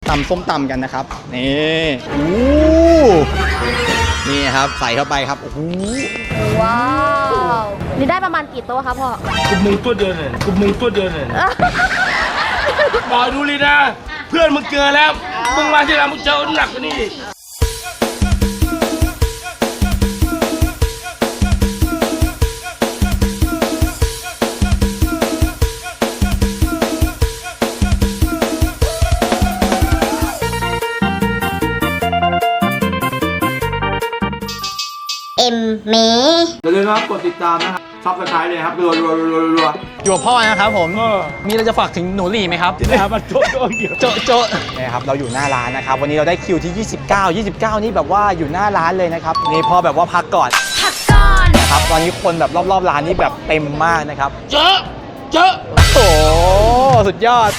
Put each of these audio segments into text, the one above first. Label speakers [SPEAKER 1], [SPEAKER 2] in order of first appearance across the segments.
[SPEAKER 1] ตำส้มตำกันนะครับนี่นี่ครับใส่เข้าไปครับโอ้โห
[SPEAKER 2] ว้าวนี่ได้ประมาณกี่โต๊ะครับพ่อ
[SPEAKER 3] กูมึงตัวเดียวเนี่ยกูมึงตัวเดียวเนี่ยบอกดูเลยนะเพื่อนมึงเจอแล้วมึงมาที่ร้านมึงเจอหนักกว่านี้
[SPEAKER 2] เม
[SPEAKER 4] อย่าลืมนะครับกดติดตามนะครับซับสไครต์เลยครับรัว
[SPEAKER 1] อยู่กับพ่อนะครับผมมีอะไรจะฝากถึงหนูหลี่ไหมครับ
[SPEAKER 3] นะครับมันโจ๊ะเดียว
[SPEAKER 1] โจ๊ะนี่ครับเราอยู่หน้าร้านนะครับวันนี้เราได้คิวที่29นี่แบบว่าอยู่หน้าร้านเลยนะครับนี่พ่อแบบว่าพักก่อนครับตอนนี้คนแบบรอบร้านนี่แบบเต็มมากนะครับ
[SPEAKER 3] เจอ
[SPEAKER 1] โอ้สุดยอด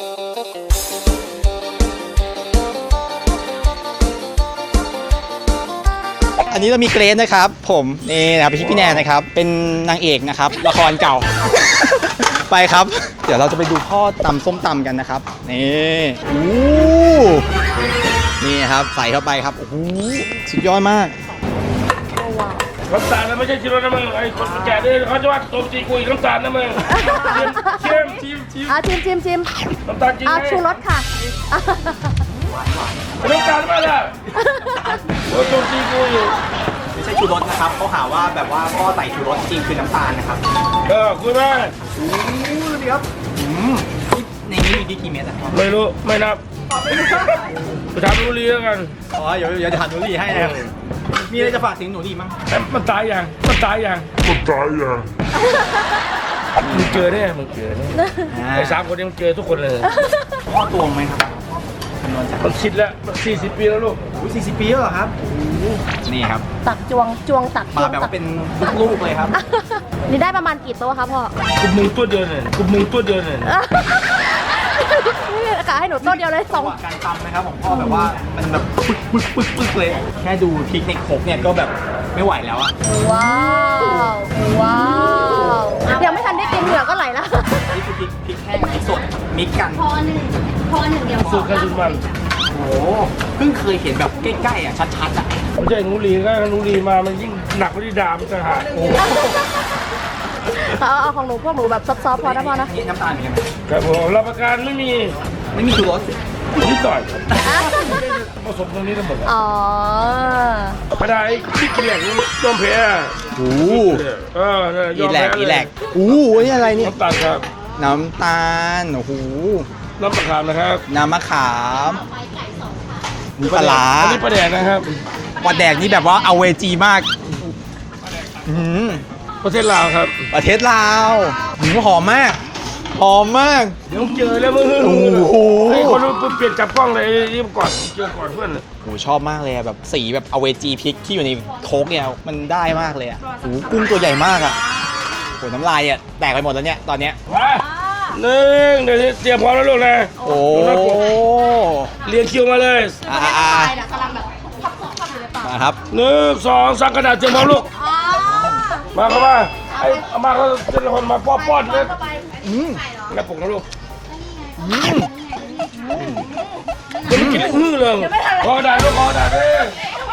[SPEAKER 1] อันนี้เรามีเกรซนะครับผมนี่นะครับพี่แนนนะครับเป็นนางเอกนะครับละครเก่า ไปครับเดี๋ยวเราจะไปดูพ่อตำส้มตำกันนะครับนี่ครับใส่เข้าไปครับโอ้โหสุดยอดมาก
[SPEAKER 3] น้ำตาลนะไม่ใช่ชิโร่นะมึงไอ้คนแก่เนี่ยเขาจะว่าต้มจีกุยน้ำตาลนะมึงชิมน้ำตาลจริงไหม
[SPEAKER 2] ชูรสค่ะ
[SPEAKER 3] น้ำตาลมาละโอ้ต้มจีกุย
[SPEAKER 1] ไม่ใช่ชูรสนะครับเขาหาว่าแบบว่าพ่อใส่ชูรสจริงคือน้ำตาลนะครับ
[SPEAKER 3] คุยมา
[SPEAKER 1] ดีครับในนี้มีกี่เม็ดครับ
[SPEAKER 3] ไม่รู้ไม่นับไปถามหนูรีแล้วกัน
[SPEAKER 1] เดี๋ยวถามหนูรีให้นะครับมีอะไรจะฝากถึงหนูรีมั้ง
[SPEAKER 3] มันตายยังมึงเจอเนี่ยไอ้3 คนนี้มึงเจอทุกคนเลย
[SPEAKER 1] พ่อตวงไหมครับ
[SPEAKER 3] มันคิดแล้ว40 ปีแล้วลูก
[SPEAKER 1] 40 ปีแล้วเหรอครับนี่ครับ
[SPEAKER 2] ตักจวงตัก
[SPEAKER 1] มาแบบว่าเป็นลูกเลยครับ
[SPEAKER 2] นี่ได้ประมาณกี่โต๊ะครับพ่อ
[SPEAKER 3] กูมึงตัวเดียวเนี่ย
[SPEAKER 2] นี่กะให้หนูโต๊ะเดียวเลย
[SPEAKER 1] 2การตำนะครับของพ่อแบบว่ามันแบบปึ๊กเลยแค่ดูพริกในโขกเนี่ยก็แบบไม่ไหวแล้วอะ
[SPEAKER 2] ว้าวยังไม่ทันได้กินเหงื่อก็ไหลแล้ว
[SPEAKER 1] นี่คือพริกแห้งพริกสดมิกกัน
[SPEAKER 2] พอหนึ่งเดียว
[SPEAKER 3] สูตรกันสุดมัน
[SPEAKER 1] โอ้เพิ่งเคยเห็นแบบใกล้ๆอ่ะชัดๆอ่ะ
[SPEAKER 3] ไม่ใช่หนูรีก็หนูรีมามันยิ่งหนักกว่าที่ดามจะหา
[SPEAKER 2] เอาของหนูพวกหนูแบบซอฟๆพอนะพ่อนะ
[SPEAKER 1] นี่น้ำตาลเป็นไง
[SPEAKER 3] ครับผมรับประกันไม่มี
[SPEAKER 1] ชูรส
[SPEAKER 3] นิดหน่อยผสมตรงนี้ทั้งหมดไม่ได้ที่เกลียดยอมแพ้
[SPEAKER 1] อีแหลกนี่อะไรนี่
[SPEAKER 3] น้ำตาลครับ
[SPEAKER 1] น้ำตาลโอ้โห
[SPEAKER 3] น้ำมะขามนะครับ
[SPEAKER 1] น้ำมะขามมีปลา
[SPEAKER 3] อันนี้ปลาแดกนะครับ
[SPEAKER 1] ปลาแดกนี่แบบว่าเอาเวจีมาก
[SPEAKER 3] ประเทศลาวครับ
[SPEAKER 1] ประเทศลาวหอมมาก
[SPEAKER 3] เดี๋ยวเจอแล้วมึงโอ้โหไอ้คนรู้เปลี่ยนจับกล้องเลยรีบก่อนเจอก่อนเพื่อน
[SPEAKER 1] โอ้ชอบมากเลยแบบสีแบบเอาเวจีพริกที่อยู่ในโค้กเนี่ยมันได้มากเลยอ่ะโอ้กุ้งตัวใหญ่มากอ่ะโอ้น้ำลายอ่ะแตกไปหมดแล้วเนี่ยตอนเนี้ย
[SPEAKER 3] เดี๋ยวเตรียมพร้อมแล้วลูกนะ
[SPEAKER 1] โอ้
[SPEAKER 3] เรียงคิวมาเลย
[SPEAKER 1] มาครับ
[SPEAKER 3] 1 2 3กระดาษเตรียมพร้อมลูกมาเข้ามาไอ้อามาเขาจะคนมาป้อนเลยแล้วปลุกนะลูกจะไม่กินเลยคอด่าลูกคอด่าเลย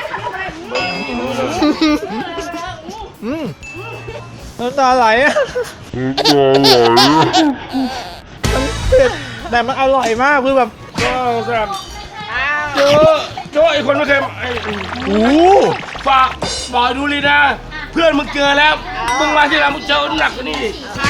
[SPEAKER 1] น้ำตาไหลอ่ะมันเผ็ดแต่มันอร่อยมากคือแบบ
[SPEAKER 3] ก็แบบเจอไอ้คนไม่เคยฝากบอกดูเลยนะเพื่อนมึงเจอแล้วมึงมาที่ร้านมึงเจอหนักกว่านี้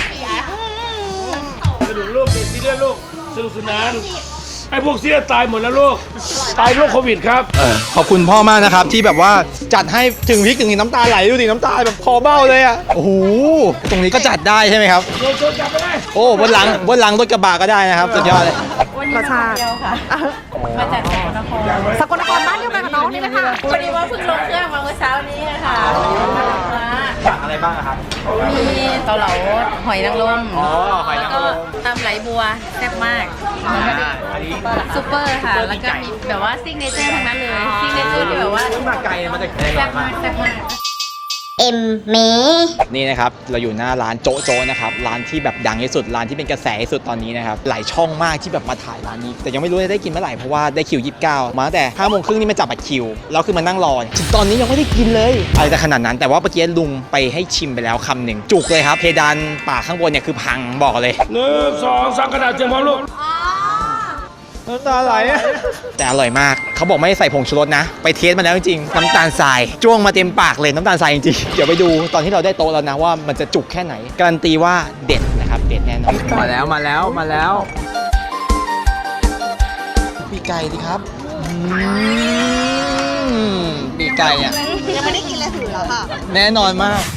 [SPEAKER 3] กระดูกลูกซีเรียสลูกสนุกสนานไอ้พวกซีเรียสตายหมดแล้วลูกตายโรคโควิดครับ
[SPEAKER 1] ขอบคุณพ่อมากนะครับที่แบบว่าจัดให้ถึงพริกถึงน้ำตาไหลดูดิน้ำตาแบบคอเบ้าเลยอ่ะโอ้โหตรงนี้ก็จัดได้ใช่ไหมครับโอ้บนหลังรถกระบะก็ได้นะครับสุดยอดเลย
[SPEAKER 2] รสชาติ
[SPEAKER 5] มาจาก
[SPEAKER 2] สกลนครบ้านเดียวกันกับน้องนี่ไหมคะ
[SPEAKER 5] พอดีว่าเพิ่งลงเครื่องมาเมื่อเช้านี้ค่ะ
[SPEAKER 1] สั่งอะไรบ้างครับ
[SPEAKER 5] มีเกาเหลาหอยนางรม
[SPEAKER 1] หอยนางรม
[SPEAKER 5] ตำไหลบัวแซ่บมากซุปเปอร์ค่ะแล้วก็มีแบบว่าซิกเนเจอร์ทั้งนั้นเลยซิกเนเจอร์ที่แบบว่า
[SPEAKER 1] มาไกลมาจาก
[SPEAKER 5] แซ่บมาก
[SPEAKER 6] เอ็มเม
[SPEAKER 1] นี่นะครับเราอยู่หน้าร้านโจ๊ะโจ๊ะนะครับร้านที่แบบดังที่สุดร้านที่เป็นกระแสที่สุดตอนนี้นะครับหลายช่องมากที่แบบมาถ่ายร้านนี้แต่ยังไม่รู้จะได้กินเมื่อไหร่เพราะว่าได้คิว 29 มาตั้งแต่ 5:30 นี่มาจับบัตรคิวแล้วคือมานั่งรอถึงตอนนี้ยังไม่ได้กินเลยอะไรจะขนาดนั้นแต่ว่าเมื่อกี้ลุงไปให้ชิมไปแล้วคำหนึ่งจุกเลยครับเพดานปากข้างบนเนี่ยคือพังบอกเลย
[SPEAKER 3] 1 2 3กระดาษเตรียมพร้อมลูก
[SPEAKER 1] น้ำตาไหลแต่อร่อยมากเขาบอกไม่ใส่ผงชูรสนะไปเทสมาแล้วจริงๆน้ำตาลทรายจ้วงมาเต็มปากเลยน้ำตาลทรายจริงๆเดี๋ยวไปดูตอนที่เราได้โต๊ะแล้วนะว่ามันจะจุกแค่ไหนการันตีว่าเด็ดนะครับเด็ดแน่นอนมาแล้วปีกไก่ดิครับปีกไก่อ่ะยังไม่ได้กินเลยถือแล้วค่ะแน่นอนมาก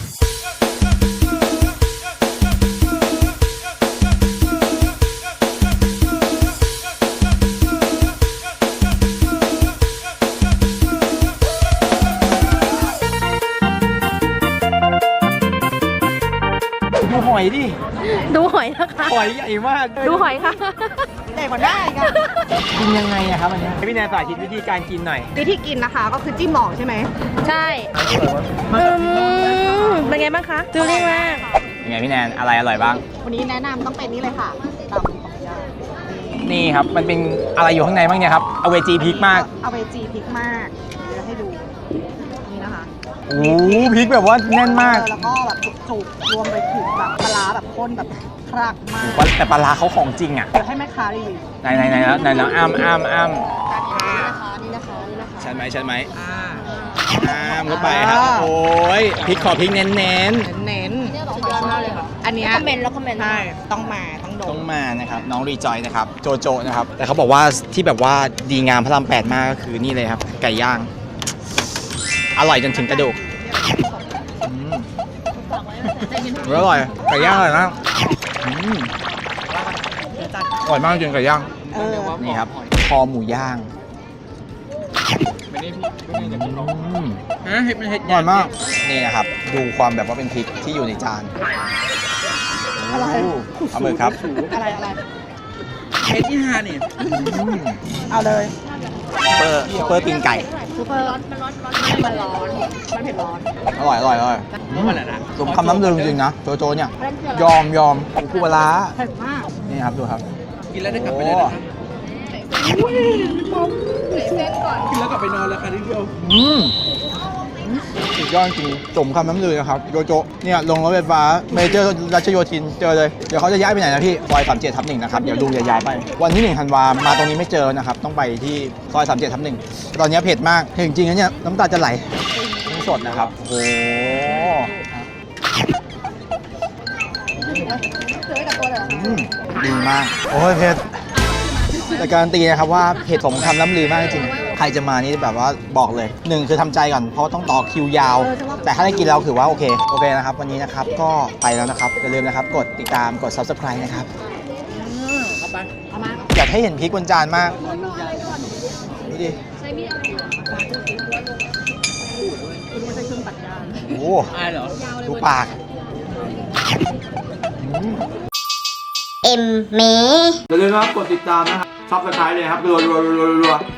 [SPEAKER 1] ดูหอยดิ
[SPEAKER 2] ดูหอยนะคะ
[SPEAKER 1] หอยใหญ่มาก
[SPEAKER 2] ดูหอยค่ะ
[SPEAKER 7] ใหญ่กว่าได้อีกัน
[SPEAKER 1] กินยังไงอะครับอันเนี้ยให้พี่แนนสาธิตวิธีการกินหน่อย
[SPEAKER 7] วิธีกินนะคะก็คือจิ้มหมองใช่ไหม
[SPEAKER 2] ใช่เป็นไงบ้างคะฟิลลิ่งมาก
[SPEAKER 1] ยังไงพี่แนนอะไรอร่อยบ้าง
[SPEAKER 7] วันนี้แนะนำต้องเป็นนี่เลยค่ะตำของยา
[SPEAKER 1] นี่ครับมันเป็นอะไรอยู่ข้างในบ้างเนี่ยครับเอาเวจีพริกมาก
[SPEAKER 7] เอาไปจีพริกมากเดี๋ยวให้ดูนี่นะคะ
[SPEAKER 1] โอ้พริกแบบว่าแน่นมาก
[SPEAKER 7] แล้วก็แบบจุกๆรวมไปถึงแบบปลาร้าแบบข้นแบบคลักมาก
[SPEAKER 1] แต่ปลาร้าเขาของจริงอ่ะ
[SPEAKER 7] เดี๋ยวให้แม่ค้ารีวิว
[SPEAKER 1] ไหนแล้วอ้ำ
[SPEAKER 7] นี่นะคะนี่นะคะ
[SPEAKER 1] ชันไหมอ้ำเข้าไปครับโอ้ยพริกขอพริกเน้น
[SPEAKER 7] เน้นสุดยอดมากเลยค่ะอันเนี้ย
[SPEAKER 2] คอมเมนต์แล้วคอมเมนต์
[SPEAKER 7] ใช่ต้องมาต้องโด
[SPEAKER 1] ๆต้อน งมานะครับน้องรีจอยนะครับโจโจนะครับแต่เขาบอกว่าที่แบบว่าดีงามพระราม8มากก็คือนี่เลยครับไก่ย่างอร่อยจนถึงกระดูกอร่อยไก่ย่างอร่อยมากอร่อยมากจริงไก่ย่าง
[SPEAKER 7] เออ
[SPEAKER 1] นี่ครับคอหมูย่างอร่อยมากนี่นะครับดูความแบบว่าเป็นพริกที่อยู่ในจาน
[SPEAKER 7] อะไร
[SPEAKER 1] เอามือครับ
[SPEAKER 7] อะไร
[SPEAKER 1] เอาเลยซุปเปอร์ตีนไก่
[SPEAKER 7] ซูเปอร์มันร้อนมันเผ็ดร้อน
[SPEAKER 1] อร่อยสมคำน้ำลือจริงๆนะโจโจเนี่ยยอมปูปลาร้า
[SPEAKER 7] เผ็ดมาก
[SPEAKER 1] นี่ครับดูครับกินแล้วได้กลับไปเลยนะครับกินแล้วกลับไปนอนแล้วค่ะที่เดียวสุดยอดจริงสมคำน้ำลือนะครับโจโจเนี่ยลงรถไฟฟ้าเมเจอร์รัชโยธินเจอเลยเดี๋ยวเขาจะย้ายไปไหนนะพี่ซอย37/1นะครับเดี๋ยวลุงจะย้ายไปวันที่1 ธันวามาตรงนี้ไม่เจอนะครับต้องไปที่ซอย37/1ตอนนี้เผ็ดมากจริงๆนะเนี่ยน้ำตาจะไหลสดนะครับโอ้โหดีมากโอ้ยเผ็ดแต่การันตีนะครับว่าเผ็ดสมคำล้ำลือมากจริงๆใครจะมานี่แบบว่าบอกเลย1คือทำใจก่อนเพราะต้องต่อคิวยาว แต่ถ้าได้กินแล้วถือว่าโอเคนะครับวันนี้นะครับก็ไปแล้วนะครับอย่าลืมนะครับกดติดตามกด subscribe นะครับอยากให้เห็นพริกบนจานมากนี่ดิโอ้ดูปาก
[SPEAKER 6] เอ็มเม
[SPEAKER 4] อย่าลืมนะครับกดติดตามนะครับซับสไครต์เลยครับรัว